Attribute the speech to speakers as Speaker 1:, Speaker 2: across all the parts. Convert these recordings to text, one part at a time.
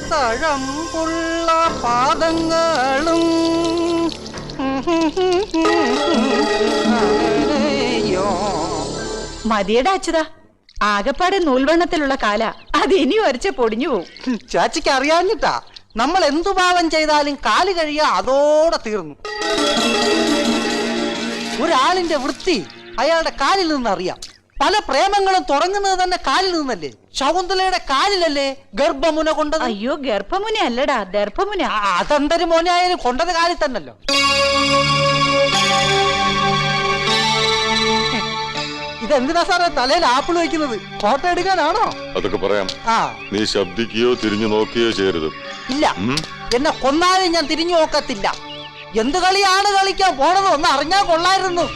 Speaker 1: തഴമ്പുള്ള പാദങ്ങളും
Speaker 2: മതിയുടെ അച്യുത, ആകപ്പാടെ നൂൽവണ്ണത്തിലുള്ള കാല അത് ഇനി വരച്ച പൊടിഞ്ഞു പോവും.
Speaker 1: ചാച്ചിക്ക് അറിയാഞ്ഞിട്ടാ, നമ്മൾ എന്തു പാവം ചെയ്താലും കാല് കഴിയാ അതോടെ തീർന്നു. ഒരാളിന്റെ വൃത്തി അയാളുടെ കാലിൽ നിന്നറിയാം. പല പ്രേമങ്ങളും തുടങ്ങുന്നത് തന്നെ കാലിൽ നിന്നല്ലേ? ശകുന്തലയുടെ കാലിലല്ലേ ഗർഭമുന കൊണ്ടത്?
Speaker 2: അയ്യോ, ഗർഭമുന അല്ലടാ, ദർഭമുന.
Speaker 1: അതെന്തൊരു മോനായാലും കൊണ്ടത് കാലിൽ തന്നല്ലോ. ഇതെന്തിനാ സാറേ തലയിൽ ആപ്പിൾ വെക്കുന്നത്? ഫോട്ടോ എടുക്കാനാണോ?
Speaker 3: അതൊക്കെ പറയാം. നീ ശബ്ദിക്കുകയോ തിരിഞ്ഞു നോക്കുകയോ ചെയ്യരുത്.
Speaker 1: ഇല്ല, എന്നെ കൊന്നാലും ഞാൻ തിരിഞ്ഞു നോക്കത്തില്ല. എന്ത് കളിയാണ് കളിക്കാൻ പോണത് ഒന്ന് അറിഞ്ഞാൽ കൊള്ളായിരുന്നു.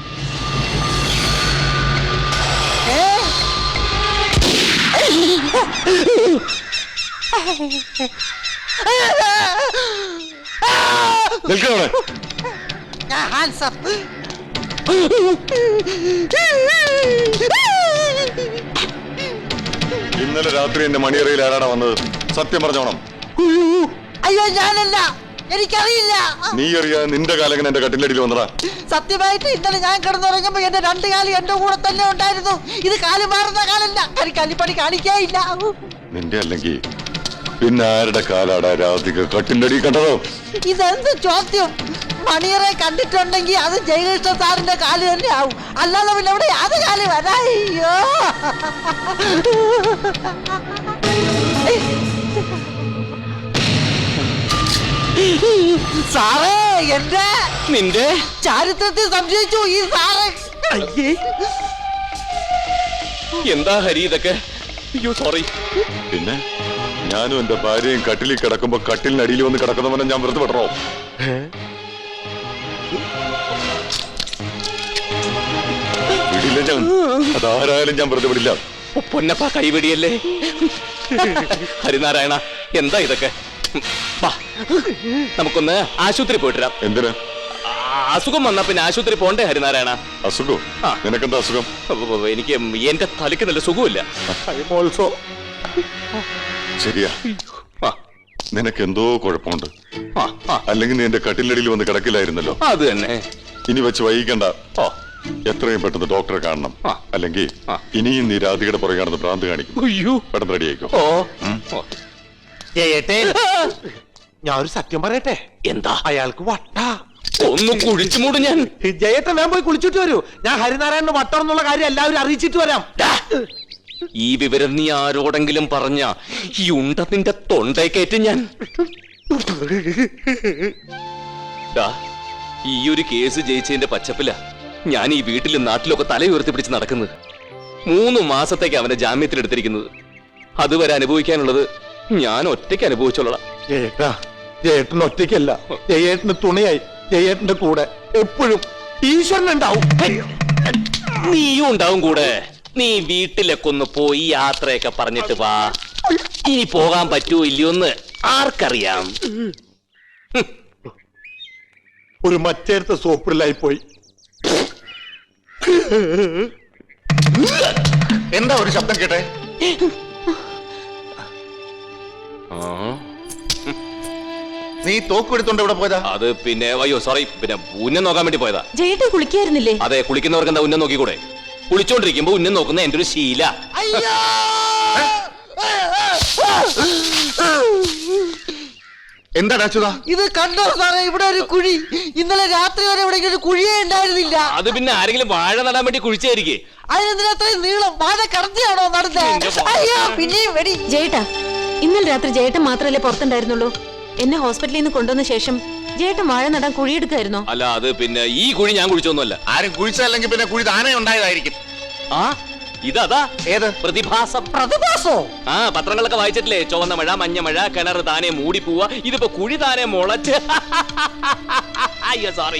Speaker 3: ഇന്നലെ രാത്രി എന്റെ മണിയറയിൽ ആരാണ് വന്നത്? സത്യം പറഞ്ഞോണം.
Speaker 1: അയ്യോ, ഞാനല്ല, എനിക്കറിയില്ല.
Speaker 3: നീ അറിയാതെ നിന്റെ കാലങ്ങനെ എന്റെ കട്ടിലടിയിൽ വന്നടാ.
Speaker 1: സത്യമായിട്ട് ഇന്നലെ ഞാൻ കിടന്നുറങ്ങുമ്പോ എന്റെ രണ്ട് കാലി എന്റെ കൂടെ തന്നെ ഉണ്ടായിരുന്നു. ഇത് കാല് മാറുന്ന കാലല്ല, കരിക്കാലിപ്പണി കാണിക്കായില്ല.
Speaker 3: നിന്റെ അല്ലെങ്കിൽ പിന്നെ ആരുടെ കാലാടാ രാധിക കട്ടിലടി കണ്ടതോ?
Speaker 1: ഇതെന്ത് ചോദ്യം? മണിയറെ കണ്ടിട്ടുണ്ടെങ്കിൽ അത് ജയകൃഷ്ണ സാറിന്റെ കാല് തന്നെ ആവും, അല്ലാതെ പിന്നെ ഇവിടെ യാത് കാല് വരായ്യോ. സാറേ, എന്റെ
Speaker 4: നിന്റെ
Speaker 1: ചാരിത്രത്തിൽ സംശയിച്ചു ഈ സാറ്.
Speaker 4: അയ്യേ, എന്താ ഹരി ഇതൊക്കെ? അയ്യോ സോറി.
Speaker 3: പിന്നെ ഞാനും എന്റെ ഭാര്യയും കട്ടിലിൽ കിടക്കുമ്പോ കട്ടിലിനടിയിൽ വന്ന് കിടക്കുന്നവനെ ഞാൻ വെറുതെ വിടണോ? വിടില്ല ഞാൻ, അതാരായാലും ഞാൻ വെറുതെ വിടില്ല.
Speaker 4: പൊന്നപ്പ കൈവിടിയല്ലേ. ഹരിനാരായണ, എന്താ ഇതൊക്കെ? നമുക്കൊന്ന് ആശുപത്രി പോയിട്ടിരാം.
Speaker 3: എന്തിനാ?
Speaker 4: അസുഖം വന്നാ പിന്നെ ആശുപത്രി പോണ്ടേ ഹരിനാരായണ?
Speaker 3: അസുഖം? നിനക്കെന്താ അസുഖം?
Speaker 4: എനിക്ക് എന്റെ തലയ്ക്ക് നല്ല സുഖമില്ല.
Speaker 3: ശരിയാ, നിനക്ക് എന്തോ കുഴപ്പമുണ്ട്. അല്ലെങ്കിൽ നീ എന്റെ കട്ടിലടിയിൽ വന്ന് കിടക്കില്ലായിരുന്നല്ലോ.
Speaker 4: അത് തന്നെ.
Speaker 3: ഇനി വെച്ച് വൈകിക്കണ്ട, എത്രയും പെട്ടെന്ന് ഡോക്ടറെ കാണണം. അല്ലെങ്കിൽ ഇനിയും നീ രാധികയുടെ പുറകെ കാണുന്ന ഭ്രാന്ത് കാണിക്കും. പെട്ടെന്ന് റെഡി ആയിക്കോ.
Speaker 5: ഞാൻ ഒരു സത്യം പറയട്ടെ.
Speaker 4: എന്താ?
Speaker 5: അയാൾക്ക് വട്ട.
Speaker 4: ഒന്ന് കുഴിച്ചു മൂടും ഞാൻ.
Speaker 5: ജയേട്ടൻ വേഗം പോയി കുളിച്ചിട്ട് വരൂ. ഞാൻ ഹരിനാരായണന് വട്ടം എന്നുള്ള കാര്യം എല്ലാവരും അറിയിച്ചിട്ട് വരാം.
Speaker 4: ഈ വിവരം നീ ആരോടെങ്കിലും പറഞ്ഞ ഈ ഉണ്ട നിന്റെ തൊണ്ടേക്കേറ്റ് ഞാൻ. ഈ ഒരു കേസ് ജയിച്ചതിന്റെ പച്ചപ്പില ഞാൻ ഈ വീട്ടിലും നാട്ടിലൊക്കെ തല ഉയർത്തി പിടിച്ച് നടക്കുന്നത്. 3 മാസത്തേക്ക് അവനെ ജാമ്യത്തിലെടുത്തിരിക്കുന്നത്. അതുവരെ അനുഭവിക്കാനുള്ളത് ഞാൻ ഒറ്റയ്ക്ക് അനുഭവിച്ചോളാം.
Speaker 5: ജയേട്ടൻ ഒറ്റയ്ക്കല്ല, ജയേട്ടന് തുണയായി ജയേട്ടന്റെ കൂടെ എപ്പോഴും ഈശ്വരൻ ഉണ്ടാവും.
Speaker 4: നീയും ഉണ്ടാവും കൂടെ. നീ വീട്ടിലൊക്കെ ഒന്ന് പോയി യാത്രയൊക്കെ പറഞ്ഞിട്ട് വാ. ഇനി പോകാൻ പറ്റുമോ ഇല്ലയോന്ന് ആർക്കറിയാം.
Speaker 5: ഒരു മറ്റേരത്തെ സോപ്പിലായി പോയി.
Speaker 3: എന്താ ഒരു ശബ്ദം കേട്ടെ? നീ തോക്കെടുത്തോണ്ട് എവിടെ പോയതാ?
Speaker 4: അത് പിന്നെ അയ്യോ സോറി, പിന്നെ ഉന്നം നോക്കാൻ വേണ്ടി പോയതാ.
Speaker 2: ജയേട്ടൻ കുളിക്കായിരുന്നില്ലേ?
Speaker 4: അതെ, കുളിക്കുന്നവർക്ക് എന്താ ഉന്നം നോക്കിക്കൂടെ? കുളിച്ചോണ്ടിരിക്കുമ്പോ ഉന്നം നോക്കുന്ന എന്റെ ഒരു ശീല.
Speaker 3: എന്താ അച്യുതാ
Speaker 1: ഇത് കണ്ടോ സാറേ? ഇവിടെ ഒരു കുഴി. ഇന്നലെ രാത്രി വരെ ഇവിടെ ഒരു കുഴിയേ ഉണ്ടായിരുന്നില്ല.
Speaker 4: അത് പിന്നെ ആരെങ്കിലും വാഴ നടാൻ വേണ്ടി കുഴിച്ചായിരിക്കേ.
Speaker 1: അതിനെന്തിനാ അത്രയും നീളം? വാഴ കടത്തിയാണോ നടന്നത്? അയ്യോ, പിന്നെയും വെടി.
Speaker 6: ജയേട്ടാ, ഇന്നലെ രാത്രി ജയേട്ടൻ മാത്രമല്ലേ പുറത്തുണ്ടായിരുന്നുള്ളൂ? എന്നെ ഹോസ്പിറ്റലിൽ നിന്ന് കൊണ്ടുവന്ന ശേഷം ജയേട്ടൻ വാഴ നടാൻ കുഴിയെടുക്കായിരുന്നോ?
Speaker 4: അല്ല, അത് പിന്നെ ഈ കുഴി ഞാൻ കുഴിച്ചൊന്നുമല്ല.
Speaker 3: ആരും കുഴിച്ചല്ലെങ്കിൽ പിന്നെ കുഴി താനേ ഉണ്ടായതായിരിക്കും.
Speaker 4: ഇതാ
Speaker 3: ഏത്
Speaker 4: പ്രതിഭാസം?
Speaker 1: പ്രതിഭാസോ?
Speaker 4: പത്രങ്ങളൊക്കെ വായിച്ചിട്ടില്ലേ? ചുവന്ന മഴ, മഞ്ഞ മഴ, കിണർ താനെ മൂടി പോവാ. ഇതിപ്പോ കുഴി താനെ മുളച്ച്. അയ്യോ സോറി.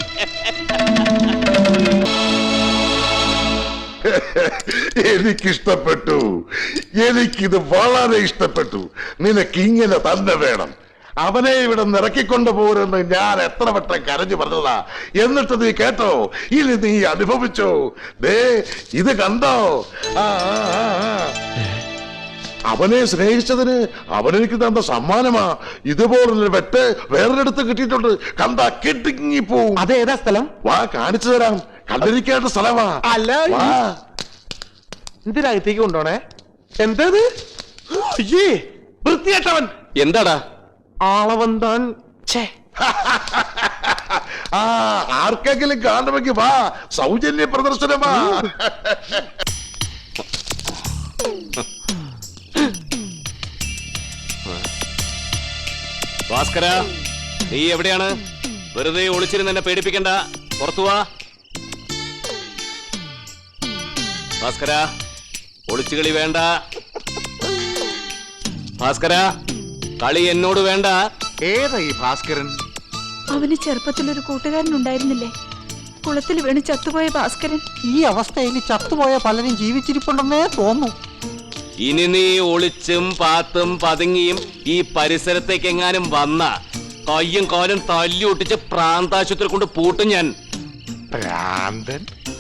Speaker 7: എനിക്കിഷ്ടപ്പെട്ടു. എനിക്കിത് വളരെ ഇഷ്ടപ്പെട്ടു. നിനക്ക് ഇങ്ങനെ തന്നെ വേണം. അവനെ ഇവിടെ നിറക്കിക്കൊണ്ടു പോരെന്ന് ഞാൻ എത്ര വട്ടം കരഞ്ഞു പറഞ്ഞതാ. എന്നിട്ട് നീ കേട്ടോ? ഇനി നീ അനുഭവിച്ചോ? ദേ ഇത് കണ്ടോ? അവനെ സ്നേഹിച്ചതിന് അവനെനിക്ക് തന്ന സമ്മാനമാ. ഇതുപോലൊരു വെട്ട് വേറൊരിടത്ത് കിട്ടിയിട്ടുണ്ട്. കണ്ടാ കെട്ടിങ്ങിപ്പോവും.
Speaker 5: അതേതാ സ്ഥലം?
Speaker 7: വാ കാണിച്ചു തരാം. കണ്ടിരിക്കേണ്ട സ്ഥലമാ.
Speaker 5: അല്ല
Speaker 7: വാ.
Speaker 5: ഇതിനകത്തേക്ക് കൊണ്ടോണേ. എന്തത്? അയ്യേ, വൃത്തികെട്ടവൻ.
Speaker 4: എന്താടാ?
Speaker 5: ആളവന്താൻ.
Speaker 7: ആ ആർക്കെങ്കിലും കാണുമെങ്കിൽ വാ, സൗജന്യ പ്രദർശനമാ.
Speaker 4: ഭാസ്കര, നീ എവിടെയാണ്? വെറുതെ ഒളിച്ചിരുന്ന് എന്നെ പേടിപ്പിക്കണ്ട, പുറത്തു വാ. ഭാസ്കര, ഒളിച്ചുകളി വേണ്ട. ഭാസ്കര, കളി എന്നോട് വേണ്ട.
Speaker 5: ഏതാ ഈ ഭാസ്കരൻ?
Speaker 2: അവന് ചെറുപ്പത്തിലൊരു കൂട്ടുകാരനുണ്ടായിരുന്നില്ലേ, കുളത്തിൽ വീണ് ചത്തുപോയ ഭാസ്കരൻ.
Speaker 1: ഈ അവസ്ഥയിൽ ചത്തുപോയ പലരും ജീവിച്ചിരിപ്പുണ്ടെന്നേ തോന്നുന്നു.
Speaker 4: ഇനി നീ ഒളിച്ചും പാത്തും പതുങ്ങിയും ഈ പരിസരത്തേക്ക് എങ്ങാനും വന്ന കയ്യും കാലും തല്ലി ഒട്ടിച്ച് പ്രാന്താശുപത്രി കൊണ്ട് പൂട്ടും ഞാൻ.
Speaker 7: ഭ്രാന്തൻ.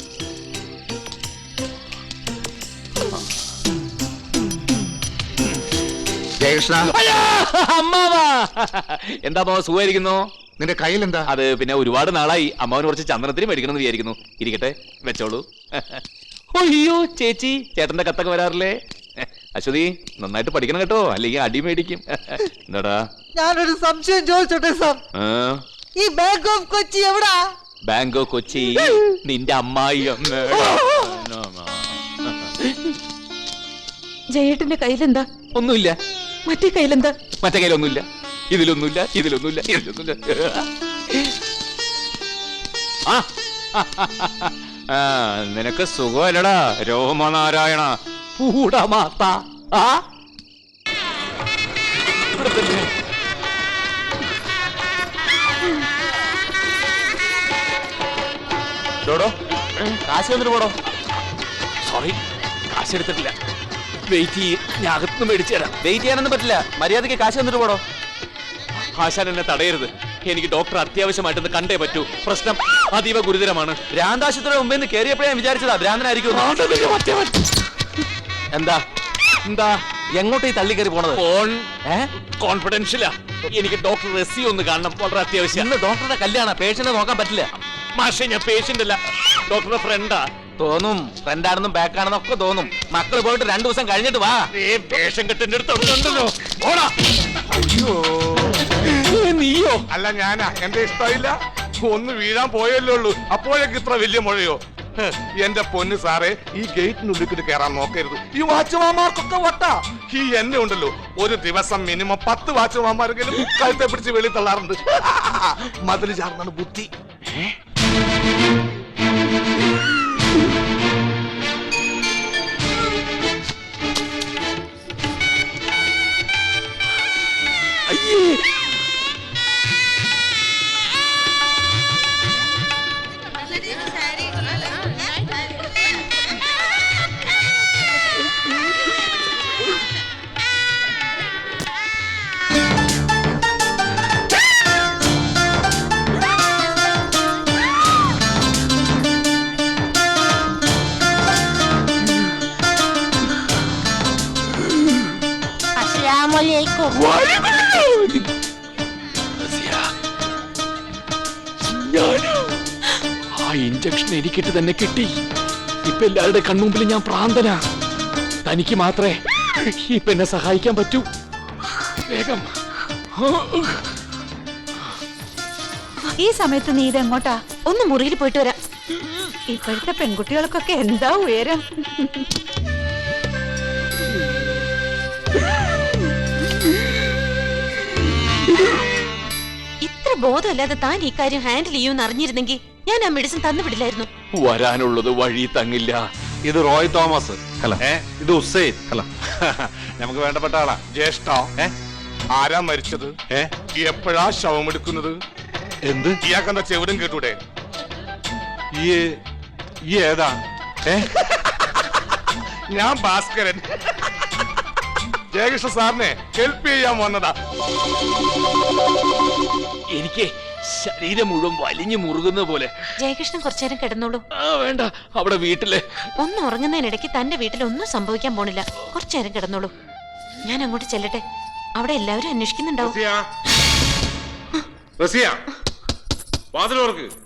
Speaker 5: ജയകൃഷ്ണ,
Speaker 4: അമ്മാവാ, എന്താ അമ്മാവ, സുഖമായിരിക്കുന്നു?
Speaker 5: നിന്റെ കയ്യിൽ എന്താ?
Speaker 4: അത് പിന്നെ ഒരുപാട് നാളായി അമ്മാവന് കുറച്ച് ചന്ദനത്തിന് മേടിക്കണമെന്ന് വിചാരിക്കുന്നു. ഇരിക്കട്ടെ, വെച്ചോളൂ. അയ്യോ ചേച്ചി, ചേട്ടന്റെ കത്തൊക്കെ വരാറില്ലേ? അശ്വതി, നന്നായിട്ട് പഠിക്കണം കേട്ടോ, അല്ലെങ്കിൽ അടി മേടിക്കും. എന്താടാ?
Speaker 1: ഞാനൊരു സംശയം ചോദിച്ചോട്ടെ സാർ, ഈ ബാങ്ക് ഓഫ് കൊച്ചി എവിടാ?
Speaker 4: ബാങ്ക് ഓഫ് കൊച്ചി നിന്റെ അമ്മായി.
Speaker 2: ജയേട്ടന്റെ കയ്യിലെന്താ?
Speaker 4: ഒന്നുമില്ല.
Speaker 2: മറ്റേ കയ്യിലെന്താ?
Speaker 4: മറ്റേ കയ്യിലൊന്നുമില്ല, ഇതിലൊന്നുമില്ല, ഇതിലൊന്നുമില്ല, ഇതിലൊന്നുമില്ല. നിനക്ക് സുഖമല്ലടാ രോമനാരായണ പൂടമാത്ത. കാശ് വന്നിട്ട് പോടോ. സോറി, കാശ് എടുത്തിട്ടില്ല. വെയിറ്റ് ചെയ്യ്, ഞാൻ അകത്തുനിന്ന് മേടിച്ചു തരാം. വെയിറ്റ് ചെയ്യാനൊന്നും പറ്റില്ല, മര്യാദയ്ക്ക് കാശ് വന്നിട്ട് പോടോ. ആശാൻ എന്നെ തടയരുത്, എനിക്ക് ഡോക്ടർ അത്യാവശ്യമായിട്ടൊന്ന് കണ്ടേ പറ്റൂ. പ്രശ്നം അതീവ ഗുരുതരമാണ്. ഭ്രാന്താശുപത്രിയുടെ മുമ്പിൽ നിന്ന് കയറിയപ്പോഴേ ഞാൻ വിചാരിച്ചതാ ഭ്രാന്തനായിരിക്കും. എന്താ എന്താ എങ്ങോട്ട് ഈ തള്ളി കയറി പോണത്? കോൺഫിഡൻഷ്യലാ. എനിക്ക് ഡോക്ടർ റെസി ഒന്ന് കാണണം, വളരെ അത്യാവശ്യം. ഇന്ന് ഡോക്ടറുടെ കല്യാണ, പേഷ്യന്റ് നോക്കാൻ പറ്റില്ല. മാഷെ, ഞാൻ പേഷ്യന്റ് അല്ല, ഡോക്ടറുടെ ഫ്രണ്ടാ. തോന്നും, ഫ്രണ്ടാണെന്നും ബാക്കാണെന്നും ഒക്കെ തോന്നും. മക്കൾ പോയിട്ട് 2 ദിവസം കഴിഞ്ഞിട്ട് വാ. പേഷ്യൻ കെട്ടിന്റെ അടുത്തുണ്ടല്ലോ. നീയോ?
Speaker 8: അല്ല, ഞാനാ. എന്റെ ഇഷ്ടമില്ല, ഒന്ന് വീഴാൻ പോയല്ലേ ഉള്ളൂ, അപ്പോഴേക്ക് ഇത്ര വലിയ മുഴയോ? എന്റെ പൊന്ന് സാറേ, ഈ ഗേറ്റിനുള്ളിൽ കയറാൻ നോക്കരുത്. ഈ വാച്ച്മാന്മാർക്കൊക്കെ വട്ടാ. ഈ എന്നെ ഉണ്ടല്ലോ, ഒരു ദിവസം മിനിമം 10 വാച്ച്മാന്മാരെങ്കിലും കഴുത്തെ പിടിച്ച് വെളി തള്ളാറുണ്ട്. മതിൽ ചാർന്നാണ് ബുദ്ധി.
Speaker 4: ആ ഇഞ്ചക്ഷൻ എനിക്കിട്ട് തന്നെ കിട്ടി. ഇപ്പൊ എല്ലാവരുടെ കൺമുമ്പിൽ ഞാൻ പ്രാന്തനാ. തനിക്ക് മാത്രമേ ഇപ്പൊ എന്നെ സഹായിക്കാൻ പറ്റൂ. വേഗം.
Speaker 2: ഈ സമയത്ത് നീ ഇതെങ്ങോട്ടാ?
Speaker 6: ഒന്ന് മുറിയിൽ പോയിട്ട് വരാം.
Speaker 2: ഇപ്പോഴത്തെ പെൺകുട്ടികൾക്കൊക്കെ എന്താ ഉയരം.
Speaker 6: ഇത്ര ബോധമല്ലാതെ താൻ ഈ കാര്യം ഹാൻഡിൽ ചെയ്യുമെന്ന് അറിഞ്ഞിരുന്നെങ്കിൽ ഞാൻ ആ മെഡിസിൻ തന്നുവിടില്ലായിരുന്നു.
Speaker 4: വരാനുള്ളത് വഴി തങ്ങില്ല.
Speaker 8: ഇത് റോയ് തോമസ്. ഹലോ. ഇത് ഹുസൈൻ. ഹലോ. നമുക്ക് വേണ്ടപ്പെട്ട ആളാ. ജ്യേഷ്ഠ. ആരാ മരിച്ചത്? എപ്പോഴാ ശവം എടുക്കുന്നത്? എന്ത്? ഇയാൾക്കെന്താ ചെവിടും കേട്ടൂടെ? ഈ ഏതാ? ഞാൻ ഭാസ്കരൻ. ജയകൃഷ്ണ സാറിനെ ഹെൽപ്പ് ചെയ്യാൻ വന്നതാ.
Speaker 4: എനിക്ക് ശരീരം മുഴുവൻ വലിഞ്ഞു മുറുകുന്ന പോലെ.
Speaker 6: ജയകൃഷ്ണൻ കുറച്ചേരം കിടന്നോളൂ.
Speaker 4: വേണ്ട, അവിടെ വീട്ടില്
Speaker 6: ഒന്ന് ഉറങ്ങുന്നതിനിടയ്ക്ക് തന്റെ വീട്ടിൽ ഒന്നും സംഭവിക്കാൻ പോണില്ല. കുറച്ചേരം കിടന്നോളൂ. ഞാൻ അങ്ങോട്ട് ചെല്ലട്ടെ, അവിടെ എല്ലാവരും അന്വേഷിക്കുന്നുണ്ടാവും.
Speaker 8: റസിയ, വാതിലോർക്ക്.